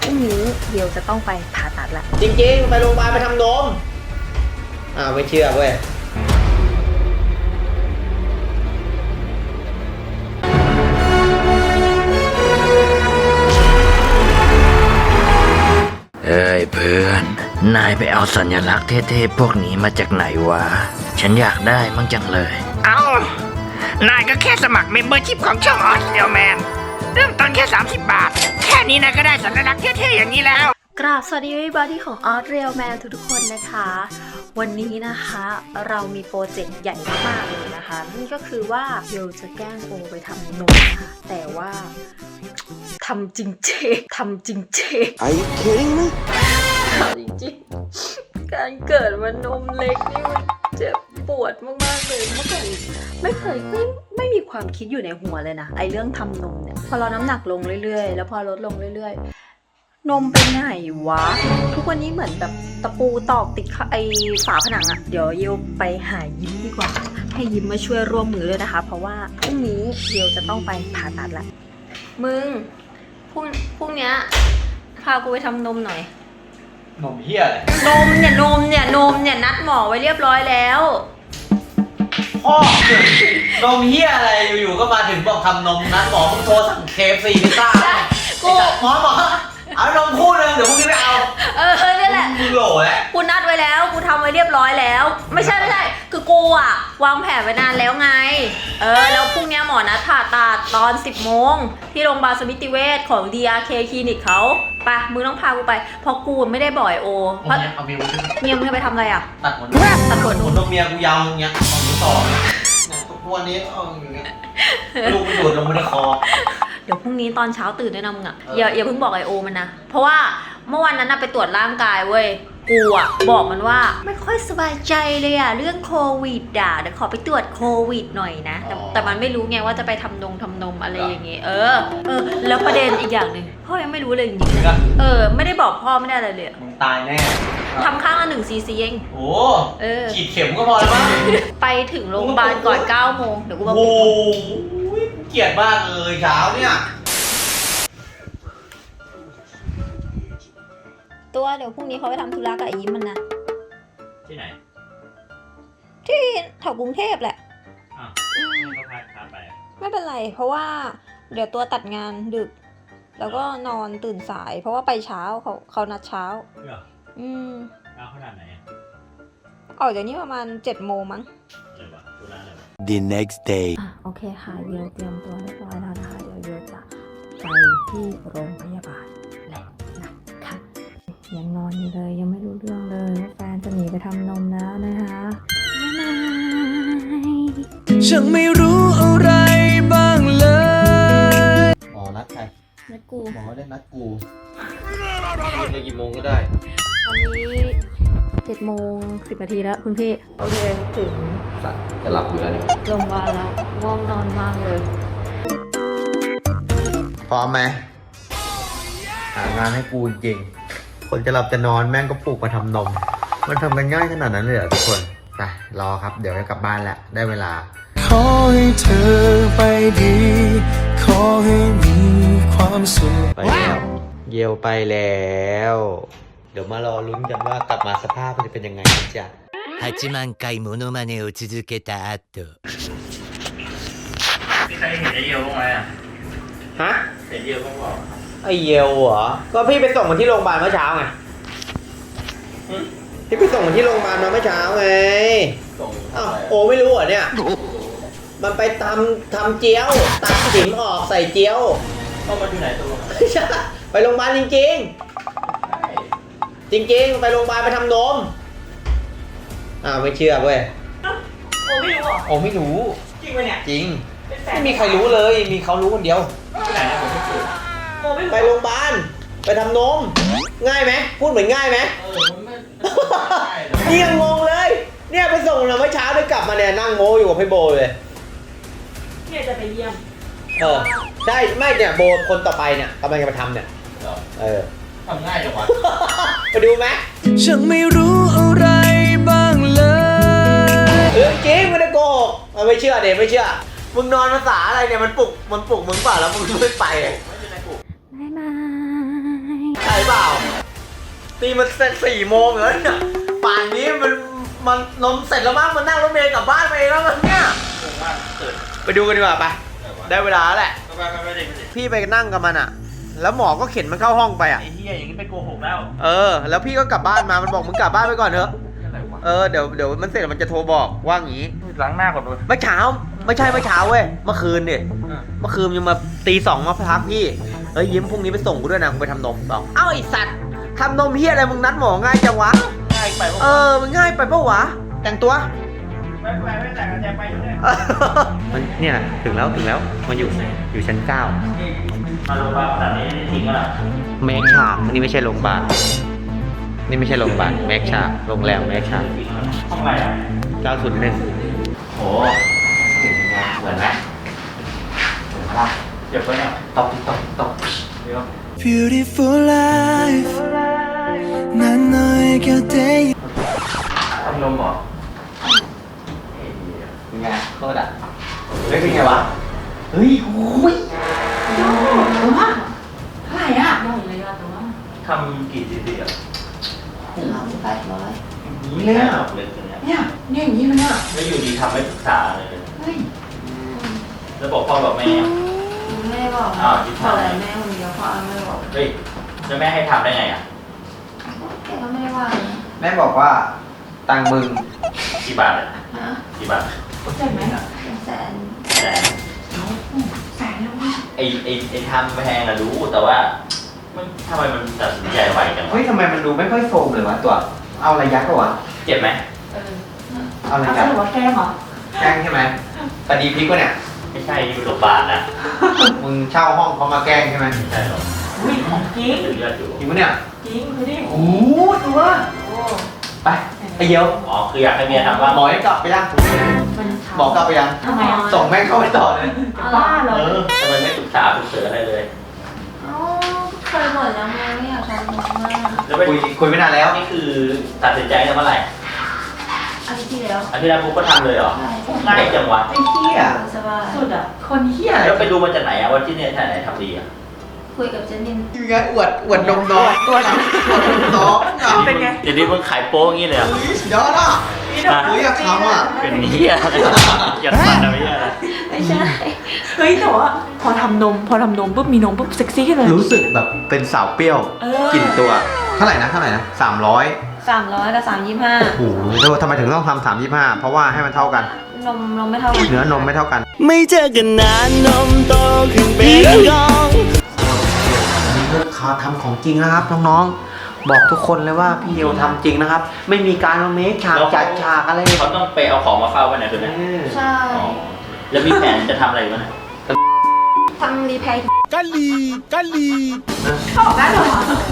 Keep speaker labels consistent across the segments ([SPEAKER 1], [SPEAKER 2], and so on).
[SPEAKER 1] รุ่งนี้เดี๋ยวจะต้องไปผ่าตัดละ
[SPEAKER 2] จริงๆไปโรงพยาบาลไปทำนมไม่เชื่อเว้ย
[SPEAKER 3] เอ้ยเพื่อนนายไปเอาสัญลักษณ์เท่ๆพวกนี้มาจากไหนวะฉันอยากได้มั่งจังเลยนายก็แค่สมัครเมมเบอร์ชิพของช่องออสเดียลแมนเริ่มต้นแค่30 บาทแค่นี้นายก็ได้สัญลักษณ์เท่ๆอย่างนี้แล้ว
[SPEAKER 1] กราบสวัสดีบอดี้ของออสเรียลแมนทุกคนนะคะ วันนี้นะคะเรามีโปรเจกต์ใหญ่มากเลยนะคะนั่นก็คือว่าเราจะแกล้งโอไปทำนมนะคะแต่ว่าทำจริงเจทำจริงเจ
[SPEAKER 2] Are you kidding me
[SPEAKER 1] จริงๆการเกิดมานมเล็กนี่มันเจ็บปวดมากๆเลยเมื่อก่อนไม่มีความคิดอยู่ในหัวเลยนะไอเรื่องทำนมเนี่ยพอเราน้ำหนักลงเรื่อยๆแล้วพอลดลงเรื่อยๆนมเป็นไหนวะทุกวันนี้เหมือนแบบตะปูตอกติดไอฝาผนังอะเดี๋ยวเยวไปหายิ้มดีกว่าให้ยิ้มมาช่วยร่วมมือด้วยนะคะเพราะว่าพรุ่งนี้เยวจะต้องไปผ่าตัดละมึงพรุ่งนี้พากูไปทำนมหน่อย
[SPEAKER 2] นมเฮียอะไร
[SPEAKER 1] นมเนี่ยนัดหมอไว้เรียบร้อยแล้ว
[SPEAKER 2] พ่อนมเฮียอะไรอยู่ๆก็มาถึงบอกทำนมนัดหมอมึงโทรสั่งKFCพิซซ่ากูหมอเอานมคู่นึงเดี๋ยวพรุ่งนี้ไปเอา
[SPEAKER 1] นี่แหละ
[SPEAKER 2] มึงโหล่แล้ว
[SPEAKER 1] กูนัดไว้แล้วกูทำไว้เรียบร้อยแล้วไม่ใช่คือกูอะวางแผนไว้นานแล้วไงแล้วพรุ่งนี้หมอนัดผ่าตัดตอน 10 โมงที่โรงพยาบาลสมิติเวชของ DRK คลินิกเขาไปมึงต้องพากูไปเพราะกูไม่ได้บ่อยโอเพราะ
[SPEAKER 2] เอาเมี
[SPEAKER 1] ยมึงไปทำอะไรอะ
[SPEAKER 2] ตัดขนนมเมียกูยาวอย่างเงี้ยเอามือต่อทุกวันนี้เอาอย่างเงี้ยลูกไม่ดูดลงไม่ได้คอ
[SPEAKER 1] เดี๋ยวพรุ่งนี้ตอนเช้าตื่นด้วยนะมึงอะอย่าเพิ่งบอกไอโอมันนะเพราะว่าเมื่อวันนั้นไปตรวจร่างกายเว้ยกูอะบอกมันว่าไม่ค่อยสบายใจเลยอะเรื่องโควิดเดี๋ยวขอไปตรวจโควิดหน่อยนะแต่มันไม่รู้ไงว่าจะไปทำนมอะไรอย่างเงี้ยแล้วประเด็นอีกอย่างหนึ่งพ่อยังไม่รู้เลยจริงๆไม่ได้บอกพ่อไม่ได้อะไรเลย
[SPEAKER 2] มึงตายแน่
[SPEAKER 1] ทำข้างละ1 cc เอง
[SPEAKER 2] โอ้ฉีดเข็มก็พอแล้วมั้ง
[SPEAKER 1] ไปถึงโรงพยาบาลก่อน9 โมงเดี๋ยวกูมา
[SPEAKER 2] โอ้เกลียดมากเลยเช้าเนี่ย
[SPEAKER 1] ตัวเดี๋ยวพรุ่งนี้เขาไปทำธุระกับไอ้ยิ้มมันนะ
[SPEAKER 2] ที่ไหน
[SPEAKER 1] ที่แถวกรุงเทพแหละ
[SPEAKER 2] ก็พาไป
[SPEAKER 1] ไม่เป็นไรเพราะว่าเดี๋ยวตัวตัดงานดึกแล้วก็นอนตื่นสายเพราะว่าไปเช้าเขานัดเช้า
[SPEAKER 2] ขนาดไหน
[SPEAKER 1] ออกจากนี้ประมาณ7 โมงมั้ง
[SPEAKER 3] The next day
[SPEAKER 1] โอเคค่ะเดี๋ยวเตรียมตัวเรียบร้อยแล้วนะคะเดี๋ยวจะไปที่โรงพยาบาลแล้วนะคะยังนอนอยู่เลยยังไม่รู้เรื่องเลยว่าแฟนจะหนีไปทำนมแล้วนะคะ
[SPEAKER 3] ฉันไม่รู้อะไรบ้างเลย
[SPEAKER 2] หมอนัดใคร
[SPEAKER 1] นัดกู
[SPEAKER 2] หมอได้นัดกูในกี่โมงก็ได้
[SPEAKER 1] ตอนนี้7 โมง 10 นาทีแล้วคุณพี่โอเคถึง
[SPEAKER 2] สัตว์จะหลับอยู่แล้วเนี่ย
[SPEAKER 1] ลงมาแล้วง่วงนอนมากเลย
[SPEAKER 2] พร้อมไหมหางานให้กูจริงคนจะหลับจะนอนแม่งก็ปลุกมาทำนมมันทำกันง่ายขนาดนั้นเลยเหรอทุกคนไปรอครับเดี๋ยวจะกลับบ้านแล้วได้เวลา
[SPEAKER 3] ขอให้เธอไปดีขอให้มีความสุข
[SPEAKER 2] ไปแล้วเยวไปแล้วเดี๋ยวมารอลุ้นกันว่ากลับมาสภาพมันจะเป็นยังไงจ้ะ
[SPEAKER 3] 8万回モノマネを続けた後
[SPEAKER 4] มีใครเห็นไอเยวบ้างไหมอ่ะ
[SPEAKER 2] ฮะ
[SPEAKER 4] เห็นเยวบ้างเปล่า
[SPEAKER 2] ไอเยวเหรอก็พี่ไปส่งมันที่โรงพยาบาลเมื่อเช้าไงพี่ไปส่งมันที่โรงพยาบาลมาเมื่อเช้าไงโอ้ไม่รู้เหรอเนี่ยมันไปทำเจียวตัดสิมออกใส่เจียว
[SPEAKER 4] เข้ามาที่ไหนตัว
[SPEAKER 2] ไปโรงพยาบาลจริงไปโรงพยาบาลไปทำนมไม่เชื่อเว้ย
[SPEAKER 4] โอ้ไม่รู้อ่ะ
[SPEAKER 2] โอ้ไม่รู้
[SPEAKER 4] จริงไหมเนี่ย
[SPEAKER 2] จริงไม่มีใครรู้เลยมีเขารู้คนเดียวไปโรงพยาบาลไปทำนมง่ายไหมพูดเหมือนง่ายไหมนี่ยังงงเลยเนี่ยไปส่งเราเมื่อเช้าได้กลับมาเนี่ยนั่งโมอยู่กับพี่โบเลย
[SPEAKER 4] เนี่ยจะไปเยี่ยม
[SPEAKER 2] ใช่ไม่เนี่ยโบคนต่อไปเนี่ยกำลังจะมาทำเนี่ย
[SPEAKER 4] ทำง่ายจังวะ
[SPEAKER 2] ไปดูไหม
[SPEAKER 3] ฉันไม่รู้อะไรบ้างเลย
[SPEAKER 2] จริงไม่ได้โกหกไม่เชื่อเด็กไม่เชื่อมึงนอนภาษาอะไรเนี่ยมันปลุกมึงเปล่าแล้วมึงไม่ไป
[SPEAKER 1] ไม่มา
[SPEAKER 2] ใช่ปนี่มันเสร็จ4 โมงแล้วเนี่ยป่านนี้มันนมเสร็จแล้วมั้งมันนั่งรถเมล์กลับบ้านไปเองแล้วมันเนี่ยไปดูกันดีกว่าไปได้เวลาแล้วแหละพี่ไปนั่งกับมันอ่ะแล้วหมอก็เข็นมันเข้าห้องไปอ่ะ
[SPEAKER 3] ไอ้เหี้ยอย่างนี้ไปโกหกแล้ว
[SPEAKER 2] แล้วพี่ก็กลับบ้านมามันบอกมึงกลับบ้านไปก่อนเถอะเดี๋ยวมันเสร็จมันจะโทรบอกว่างี้
[SPEAKER 3] ล้างหน้าก่อนเลย
[SPEAKER 2] เมื่อเช้าไม่ใช่เมื่อเช้าเว้ยเมื่อคืนเนี่ยเมื่อคืนยังมาตี 2มาพักพี่ยิ้มพรุ่งนี้ไปส่งกูด้วยนะกูไปทำนมต่อเอ้าไอสัตว์ทำนมเฮียอะไรมึงนัดหมอง่ายจังวะ
[SPEAKER 3] ง่ายไป
[SPEAKER 2] มันง่ายไปปะวะแต่งตัว
[SPEAKER 3] ไม่แต่งกันจะไปอยู่เนี่ย
[SPEAKER 2] มันเนี่ยถึงแล้วมันอยู่ชั้น 9
[SPEAKER 3] มาโรงพยาบาลขนาดนี้ทิ้งกันอ่ะ
[SPEAKER 2] เมคชานี่ไม่ใช่โรงพยาบาลนี่ไม่ใช่โรงพยาบาลเมคชาโรงแรมเมคชา
[SPEAKER 3] ห้องอะไรอ่ะ
[SPEAKER 2] 901
[SPEAKER 3] โอ้เหมือนไหมเหมือนปะเดี๋ยวไปเนี่ยตบเดี๋ยว
[SPEAKER 5] Beautiful life 난 너의 곁에
[SPEAKER 3] ทำนมเหรอ
[SPEAKER 2] เป็นไงโคตรอ่ะเป็นไงวะเฮ้ยโอ้ย
[SPEAKER 3] ทำกี่ซีซีอ่ะ
[SPEAKER 2] นี่เลยอ่ะ
[SPEAKER 3] เนี่ยอย่างนี้เลยอ่ะแล้วอยู่ดีทำไม่ศึกษาเลยแล้วบอกพ่อบอกแม่
[SPEAKER 1] ไม่ได้บอก
[SPEAKER 3] อ้าวที่
[SPEAKER 1] บอก
[SPEAKER 3] ทำ
[SPEAKER 1] แต่แม่คนเดียวพ่อไม่ได้บอก
[SPEAKER 3] เฮ้ยแล้วแม่ให้ทำได้ไงอ่ะ
[SPEAKER 1] แกก็ไม่ได้ว่านะ
[SPEAKER 2] แม่บอกว่าตังมึง
[SPEAKER 3] กี่บาทอ่ะ
[SPEAKER 1] ฮะ
[SPEAKER 3] กี่บาท
[SPEAKER 1] เป็นแสน
[SPEAKER 3] แต่ไอ้ทำแพงอะรู้แต่ว่ามันทำไมมันตัดสินใจไวจังวะ
[SPEAKER 2] เฮ้ยทำไมมันดูไม่ค่อยโฟมเลยวะตัวเอาอะไรยัดก็วะ
[SPEAKER 3] เจ็บไหม
[SPEAKER 2] เอาอะไรยัด
[SPEAKER 1] ว่าแกล้งเหรอ
[SPEAKER 2] แกล้งใช่ไหมตาดีพริกวะเนี่ย
[SPEAKER 3] ไม่ใช่นี่เป็นโรงพยาบาลนะ
[SPEAKER 2] มึงเช่าห้องเขามาแกล้งใช่ไหม
[SPEAKER 3] ไม่ใช่หรอก
[SPEAKER 4] อุ้ยของจริง
[SPEAKER 3] เลือดอยู่
[SPEAKER 2] จริงปะเนี่ย
[SPEAKER 4] จริงดูดิ
[SPEAKER 2] โอ้ตัว
[SPEAKER 4] โอ้
[SPEAKER 2] ไปไอเยียว
[SPEAKER 3] อ๋อคืออยากให้เมียทำว่า
[SPEAKER 2] หมอให้กลับไปยัง
[SPEAKER 4] มัน
[SPEAKER 2] หมอกลับไปยัง
[SPEAKER 4] ทำไมอ่ะ
[SPEAKER 2] ส่งแม่งเข้าไปต่อเลย
[SPEAKER 4] จะบ้าเหรอ
[SPEAKER 3] ทำไมไม่ศึกษาฝึกเสืออะไรเลย
[SPEAKER 1] เอ้าเคยบ่นแล้วไงไม่อยากทำมาก
[SPEAKER 3] แล้วไป
[SPEAKER 2] คุยไม่นานแล้ว
[SPEAKER 3] นี่คือตัดสินใจกันเมื่อไหร่
[SPEAKER 1] อาทิตย์ที่แล้ว
[SPEAKER 3] อาทิตย์แรกปุ๊บก็ทำเลยเหรอ
[SPEAKER 1] ใช่
[SPEAKER 3] ง่ายจังวะ
[SPEAKER 2] ไอ้เหี้ย
[SPEAKER 1] สบาย
[SPEAKER 4] สุดอ่ะ คนเฮี้ยอะไร
[SPEAKER 3] แล้วไปดูมาจากไหนอะว่าที่เนี่ยที่ไหนทำดีอะ
[SPEAKER 1] คุยกับเจนนิน
[SPEAKER 2] ยังไงอวดนมน้องตัวน้อง
[SPEAKER 4] เป็นไง
[SPEAKER 3] เดี๋ยวนี้มึงขายโป๊อย่างนี้เลยเหรอ
[SPEAKER 2] เดี๋ยวนะเฮ้ยอยากทำอ่ะ
[SPEAKER 3] เป็นเหี้ยอะไรอย่าฟันนะไม่ใช่อะไร
[SPEAKER 1] ไม่ใช่
[SPEAKER 4] เฮ้ยแต่ว่าพอทำนมปุ๊บมีนมปุ๊บเซ็กซี่ขึ้นเลย
[SPEAKER 2] รู้สึกแบบเป็นสาวเปรี้ยว
[SPEAKER 4] เออ
[SPEAKER 2] กลิ่นตัว เท่าไหร่นะ300
[SPEAKER 1] 300กับ325
[SPEAKER 2] โอ้โหทำไมถึงต้องทำ325เพราะว่าให้มันเท่ากัน
[SPEAKER 1] นมไม่เท่ากัน
[SPEAKER 2] เนื้อนมไม่เท่ากัน
[SPEAKER 5] ไม่เจอกันนานนมโตขึ้นเป็นกอง
[SPEAKER 2] นี่เลือกเขาทำของจริงนะครับน้องๆบอกทุกคนเลยว่าพี่เอวทำจริงนะครับ ไม่มีการมาเมคฉากจัดฉากอะไร
[SPEAKER 3] เขาต้องไปเอาของมาเฝ้าไว้ไหนคือไหน
[SPEAKER 1] ใช่
[SPEAKER 3] อ๋อแล้วมีแผนจะทำอะไรบ้างเนี่ย
[SPEAKER 1] ทำรีแพร์
[SPEAKER 5] กะลี
[SPEAKER 4] ได้เหรอ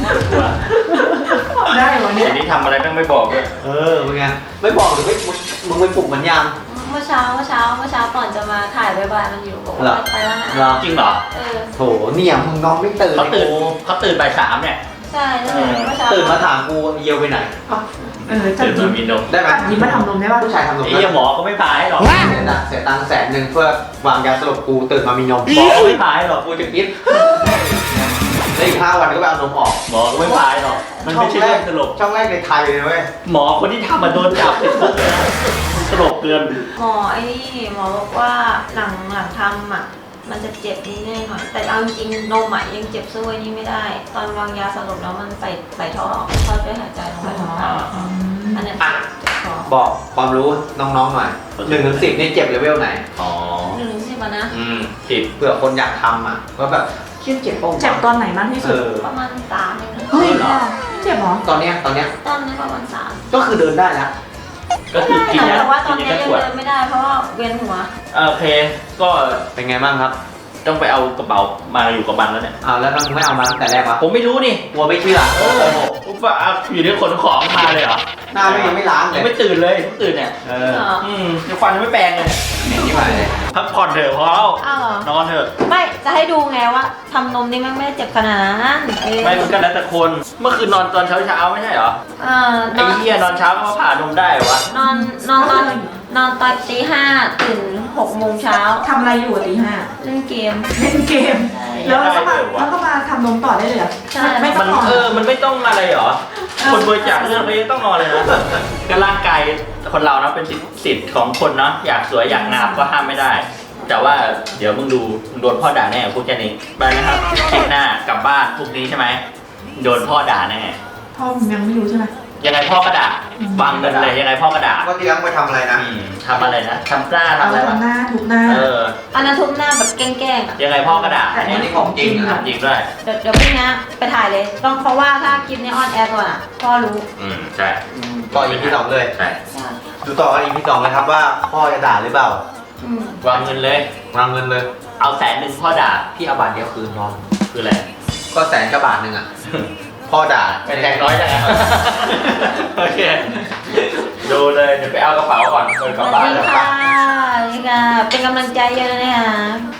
[SPEAKER 4] ได้เหรอเนี่ย
[SPEAKER 3] เดี๋ยวนี้ทำอะไรต้องไม่บอกด้วย
[SPEAKER 2] เป็นไงไม่บอกหรือไม่มึงไปปลุกมันยัง
[SPEAKER 1] เมื่อเช้าก่อนจะมาถ่ายบายมันอยู่บอกว่าไปแล้วนะ
[SPEAKER 2] เหรอ
[SPEAKER 3] จริงเหรอ
[SPEAKER 2] โถเนี่ยมึงนอนไม่ตื่น
[SPEAKER 3] เขาตื่นบ่ายสามเนี่ย
[SPEAKER 1] ใช่เมื่อเช้า
[SPEAKER 2] ตื่นมาถามกูเยียวไปไหน
[SPEAKER 4] จัด
[SPEAKER 3] ตื่น
[SPEAKER 4] ยิ้
[SPEAKER 3] มาม มีนม
[SPEAKER 2] ได้ไหม
[SPEAKER 4] ยิ้มมาทำนมได้ป่ะ
[SPEAKER 2] ผู้ชายทำนม
[SPEAKER 3] ไอ้เหี้ยหมอก็ไม่พายหรอก
[SPEAKER 2] เสียตังค์100,000เพื่อวางยาสลบกูตื่นมามีนม
[SPEAKER 3] หมอก็ไม่พายหรอก
[SPEAKER 2] กูจะคิดแล้วอีก5 วันก็ไปเอานมออก
[SPEAKER 3] หมอก็ไม่พายหรอกมันไม่ใช่เรื่องตลก
[SPEAKER 2] ช่องแรกในไทยเลยเว้ย
[SPEAKER 3] หมอคนที่ทำมาโดนจับติดคุกเลยนะตลกเกิน
[SPEAKER 1] หมอไอ้นี่หมอบอกว่าหลังทำอ่ะมันจะเจ็บนิดหน่อยแต่เอาจริงนมอ่ะยังเจ็บสู้ไอ้นี่ไม่ได้ ตอนวางยาสลบแล้วมันใส่ท่อช่วยหายใจลงไปทางปากอันนั้นเจ็บคอ
[SPEAKER 2] บอกความรู้น้องๆหน่อย1 ถึง 10นี่เจ็บเลเวลไหน
[SPEAKER 3] อ๋อ
[SPEAKER 1] 1-10อะนะ
[SPEAKER 3] 10
[SPEAKER 2] เผื่อคนอยากทำอ่ะว่าแบบเครียดเจ็บปะวะ
[SPEAKER 4] เจ็บตอนไหนมากที่สุด
[SPEAKER 1] ประมาณ3เองนะ
[SPEAKER 4] เฮ้ยเจ็บเหรอ
[SPEAKER 2] ตอนเนี้ย
[SPEAKER 1] ตอนนี้ประมาณ3
[SPEAKER 2] ก็คือเดินได้แล้ว
[SPEAKER 3] ก็คือกินยา
[SPEAKER 1] แต่ว่าตอน
[SPEAKER 3] กิน
[SPEAKER 1] นี้
[SPEAKER 3] ยา
[SPEAKER 1] ยัง
[SPEAKER 3] ขวด
[SPEAKER 1] เดินไม่ได้เพราะว่าเวียนหัว
[SPEAKER 3] โอเค ก็
[SPEAKER 2] เป็นไงบ้างครับ
[SPEAKER 3] ต้องไปเอากระเป๋ามาอยู่กับมันแล้วเนี่ย
[SPEAKER 2] แล้วมึงไม่เอามาตั้งแต่แรกวะ
[SPEAKER 3] ผมไม่รู้นี่
[SPEAKER 2] กลัวไม่เชื่อ
[SPEAKER 3] ผมว่าอยู่ที่ขนของมาเลยเหรอ
[SPEAKER 2] หน้าไม่ยังไม่ล้างเล
[SPEAKER 3] ยัง
[SPEAKER 2] ย
[SPEAKER 3] ไม่ตื่นเลยเพิ่งตื่นเนี่ย ยังฟันยังไม่แปรงเลย
[SPEAKER 2] เหม็นที่ไหนเลย
[SPEAKER 3] พักผ่อนเถอะพอแล้ว
[SPEAKER 1] อ้าวเหรอน
[SPEAKER 3] อนเถอะ
[SPEAKER 1] ไม่จะให้ดูไงว่าทำนมนี่มันไม่ได้เจ็บขนาดนั้นเออ
[SPEAKER 3] ไม่มันก็แล้วแต่คน เมื่อคืนนอนตอนเช้าไม่ใช่เหรอ
[SPEAKER 1] น
[SPEAKER 3] ไอ้
[SPEAKER 1] อน
[SPEAKER 3] เหี้ยนอนเช้าก็มาผ่านมได้เหรอวะ
[SPEAKER 1] นอนตอนตี 5ตื่น6 โมงเช้า
[SPEAKER 4] ทำอะไรอยู่ตี 5
[SPEAKER 1] เล่นเกม
[SPEAKER 4] เล่นเกม แล้วก็มาทำนมต่อได้เลยเหรอ
[SPEAKER 1] ใช่
[SPEAKER 4] ไม่ต้
[SPEAKER 3] มั
[SPEAKER 4] อน งรอ
[SPEAKER 3] มันไม่ต้องอะไรเหรอคนบริจาคเลือดเขายังต้องนอนเลยนะก็ร่างกายคนเรานะเป็นสิทธิ์ของคนเนาะอยากสวยอยากงามก็ห้ามไม่ได้ แต่ว่าเดี๋ยวมึงดูมึงโดนพ่อด่าแน่พูดแค่นี้ไปนะครับคลิปหน้ากลับบ้านพรุ่งนี้ใช่ไหมโดนพ่อด่าแน่
[SPEAKER 4] พ่อผมยังไม่รู้ใช่ไหม
[SPEAKER 3] ยังไงพ่อก็ด่าวางเงินเลยยังไงพ่อก็ด่า
[SPEAKER 2] ก็เลี้ยงไปทำอะไรนะ
[SPEAKER 3] ทำอะไรนะทำกล้า
[SPEAKER 4] เอา
[SPEAKER 3] ทำอะไรวะ
[SPEAKER 4] ทำหน้าถูกหน้า
[SPEAKER 1] อันนั้นทุบหน้าแบบแกล้งๆอ่ะ
[SPEAKER 3] ยังไงพ่อก็ด่า
[SPEAKER 2] อันนี้ของจริงอะ
[SPEAKER 3] จริงด้วย
[SPEAKER 1] เดี๋ยวพรุ่งนี้ไปถ่ายเลย ต้องเพราะว่าถ้าคลิปนี้ออนแอร์ก่อนอ่ะพ่อรู้
[SPEAKER 3] ใช่
[SPEAKER 2] ต่ออีพีสองเลย
[SPEAKER 3] ใช่
[SPEAKER 2] ดูต่อกันอีพีสองเลยครับว่าพ่อจะด่าหรือเปล่า
[SPEAKER 3] วางเงินเลยว
[SPEAKER 2] างเงินเลย
[SPEAKER 3] เอา100,000พ่อด่า
[SPEAKER 2] พี่เอาบาทเดียวคืนนอน
[SPEAKER 3] คืออะไร
[SPEAKER 2] ก็100,000กับบาทหนึ่งอ่ะ พ่อด่า
[SPEAKER 3] เป็นแรงน้อยจังนะ โอเค ดูเลยเดี๋ยวไปเอากระเป๋าก่อนเปิดก
[SPEAKER 1] ส
[SPEAKER 3] ลับ
[SPEAKER 1] วัส
[SPEAKER 3] บ้าน
[SPEAKER 1] ดี
[SPEAKER 3] แล้ว
[SPEAKER 1] ค่ะสวัสดีค่ะ เป็นกำลังใจเยอะเลยนะคะ